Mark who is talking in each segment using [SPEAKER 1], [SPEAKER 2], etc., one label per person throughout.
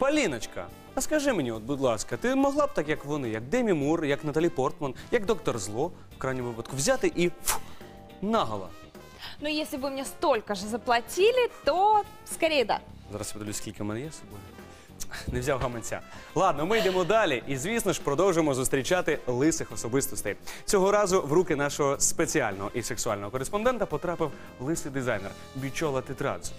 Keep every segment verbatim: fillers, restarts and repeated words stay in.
[SPEAKER 1] Поліночка, а скажи мені, от, будь ласка, ти могла б так, як вони, як Демі Мур, як Наталі Портман, як Доктор Зло, в крайньому випадку, взяти і фу, наголо?
[SPEAKER 2] Но если бы мне столько же заплатили, то скорее да.
[SPEAKER 1] Зараз я подивлюсь, скільки в мене є з собою. Не взяв гаманця. Ладно, ми йдемо далі і, звісно ж, продовжимо зустрічати лисих особистостей. Цього разу в руки нашого спеціального і сексуального кореспондента потрапив лисий дизайнер Бічола Тетрадзе.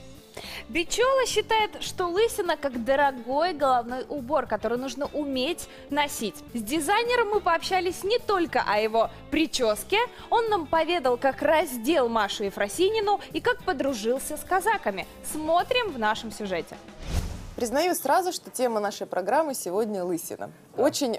[SPEAKER 2] Бичола считает, что лысина как дорогой головной убор, который нужно уметь носить. С дизайнером мы пообщались не только о его прическе, он нам поведал, как раздел Машу Ефросинину и как подружился с казаками. Смотрим в нашем сюжете.
[SPEAKER 3] Признаю сразу, что тема нашей программы сегодня лысина. Очень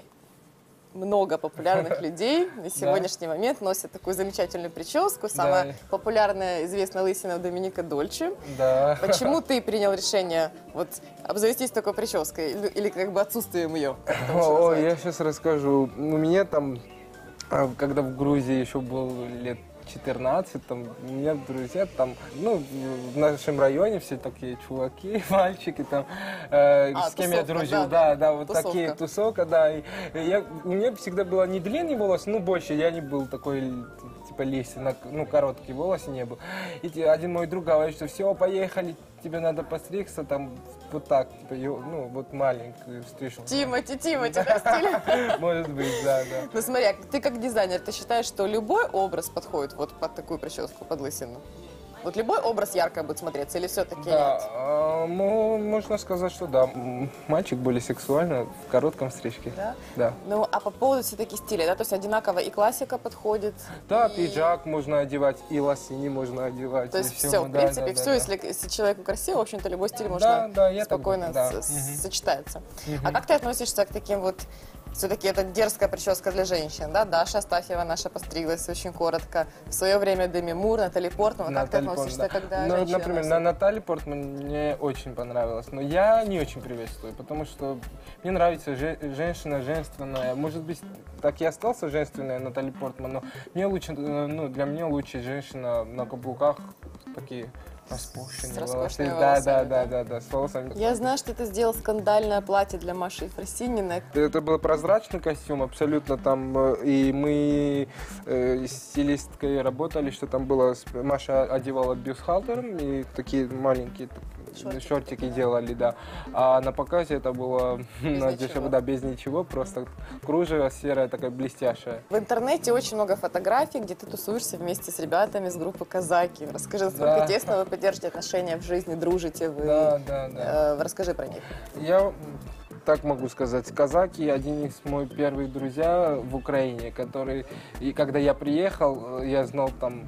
[SPEAKER 3] много популярных людей на сегодняшний момент носят такую замечательную прическу. Самая
[SPEAKER 4] Да.
[SPEAKER 3] популярная, известная лысина Доминика Дольче.
[SPEAKER 4] Да.
[SPEAKER 3] Почему ты принял решение вот обзавестись такой прической или, или как бы отсутствием ее? как это лучше
[SPEAKER 4] О,
[SPEAKER 3] назвать?
[SPEAKER 4] я сейчас расскажу. У меня там, а, когда в Грузии еще был лет четырнадцать, там, у меня друзья там, ну, в нашем районе все такие чуваки, мальчики там, э,
[SPEAKER 3] А,
[SPEAKER 4] с кем я
[SPEAKER 3] тусовка,
[SPEAKER 4] дружил,
[SPEAKER 3] да,
[SPEAKER 4] да,
[SPEAKER 3] да,
[SPEAKER 4] да, вот
[SPEAKER 3] тусовка.
[SPEAKER 4] такие, тусовка, да. И я, у меня всегда было не длинный волос, ну, больше, я не был такой, типа, лисина, ну, короткий волос не был. И те- один мой друг говорит, что все, поехали, тебе надо постригся, там, вот так, типа, ё- ну, вот маленькую стрижку.
[SPEAKER 3] Тимати, Тимати, да, стиль?
[SPEAKER 4] Может быть, да, да.
[SPEAKER 3] Ну смотри, а ты как дизайнер, ты считаешь, что любой образ подходит вот под такую прическу, под лысину? Вот любой образ ярко будет смотреться или все-таки
[SPEAKER 4] Да,
[SPEAKER 3] нет?
[SPEAKER 4] а, мо- можно сказать, что да. М, Мальчик более сексуально в коротком стрижке.
[SPEAKER 3] Да?
[SPEAKER 4] Да.
[SPEAKER 3] Ну, а по поводу все-таки стиля, да, то есть одинаково и классика подходит.
[SPEAKER 4] Да,
[SPEAKER 3] и-
[SPEAKER 4] пиджак можно одевать, и лосини можно одевать.
[SPEAKER 3] То
[SPEAKER 4] и
[SPEAKER 3] есть
[SPEAKER 4] всё,
[SPEAKER 3] все, в
[SPEAKER 4] да,
[SPEAKER 3] принципе,
[SPEAKER 4] да,
[SPEAKER 3] все,
[SPEAKER 4] да, да.
[SPEAKER 3] если, если человеку красиво, в общем-то, любой стиль
[SPEAKER 4] Да,
[SPEAKER 3] можно
[SPEAKER 4] да, я так
[SPEAKER 3] спокойно
[SPEAKER 4] думаю, да.
[SPEAKER 3] с-
[SPEAKER 4] Мгм.
[SPEAKER 3] сочетается. А как ты относишься к таким вот, все-таки это дерзкая прическа для женщин, да? Даша Астафьева наша постриглась очень коротко. В свое время Деми Мур, Натали Портман. Как ты
[SPEAKER 4] Натали
[SPEAKER 3] относишься,
[SPEAKER 4] Портман, да.
[SPEAKER 3] когда
[SPEAKER 4] Ну,
[SPEAKER 3] женщина
[SPEAKER 4] например,
[SPEAKER 3] носит?
[SPEAKER 4] на Натали Портман мне очень понравилось, но я не очень приветствую, потому что мне нравится же- женщина женственная. Может быть, так и остался женственная Натали Портман, но мне лучше, э, ну, для меня лучше женщина на каблуках, такие распущенные
[SPEAKER 3] С роскошными
[SPEAKER 4] волосы.
[SPEAKER 3] волосами,
[SPEAKER 4] Да, да,
[SPEAKER 3] да?
[SPEAKER 4] да, да, да, с волосами.
[SPEAKER 3] Я знаю, что ты сделал скандальное платье для Маши Ефросининой.
[SPEAKER 4] Это был прозрачный костюм, абсолютно там, э, и мы э, с стилисткой работали, что там было, с- Маша одевала бюстгальтером, и такие маленькие так,
[SPEAKER 3] Шортики.
[SPEAKER 4] шортики делали, да. А на показе это было на
[SPEAKER 3] ничего.
[SPEAKER 4] дешево, да, без ничего, просто кружево серое, такая блестящая.
[SPEAKER 3] В интернете очень много фотографий, где ты тусуешься вместе с ребятами с группы «Казаки». Расскажи, насколько
[SPEAKER 4] Да.
[SPEAKER 3] тесно вы поддержите отношения в жизни, дружите вы.
[SPEAKER 4] Да, да, да.
[SPEAKER 3] Э, расскажи про них.
[SPEAKER 4] Я м, так могу сказать, казаки один из моих первых друзья в Украине, который, и когда я приехал, э, я знал там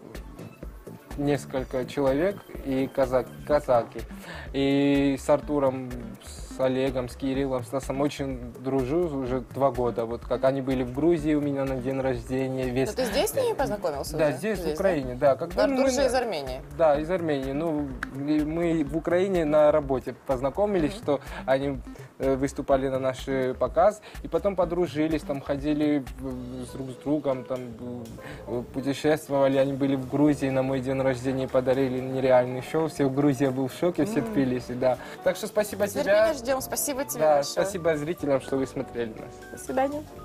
[SPEAKER 4] несколько человек и казак, казаки. И с Артуром, с Олегом, с Кириллом, с Стасом очень дружу уже два года. Вот как они были в Грузии у меня на день рождения. Весь...
[SPEAKER 3] Ну, ты здесь с ними познакомился
[SPEAKER 4] Да,
[SPEAKER 3] уже?
[SPEAKER 4] здесь, в
[SPEAKER 3] да?
[SPEAKER 4] Украине, да. Когда
[SPEAKER 3] Артур
[SPEAKER 4] мы-
[SPEAKER 3] же из Армении.
[SPEAKER 4] Да, из Армении. Ну, и мы в Украине на работе познакомились, что они э, выступали на наш э, показ, и потом подружились, там ходили э, с друг с другом, там э, путешествовали, они были в Грузии на мой день рождения, подарили нереальный шоу, все в Грузии был в шоке, все Тбилиси, да. Так что спасибо
[SPEAKER 3] С
[SPEAKER 4] тебе.
[SPEAKER 3] нетерпением ждем. Спасибо тебе
[SPEAKER 4] Да,
[SPEAKER 3] большое.
[SPEAKER 4] спасибо зрителям, что вы смотрели нас.
[SPEAKER 3] До свидания.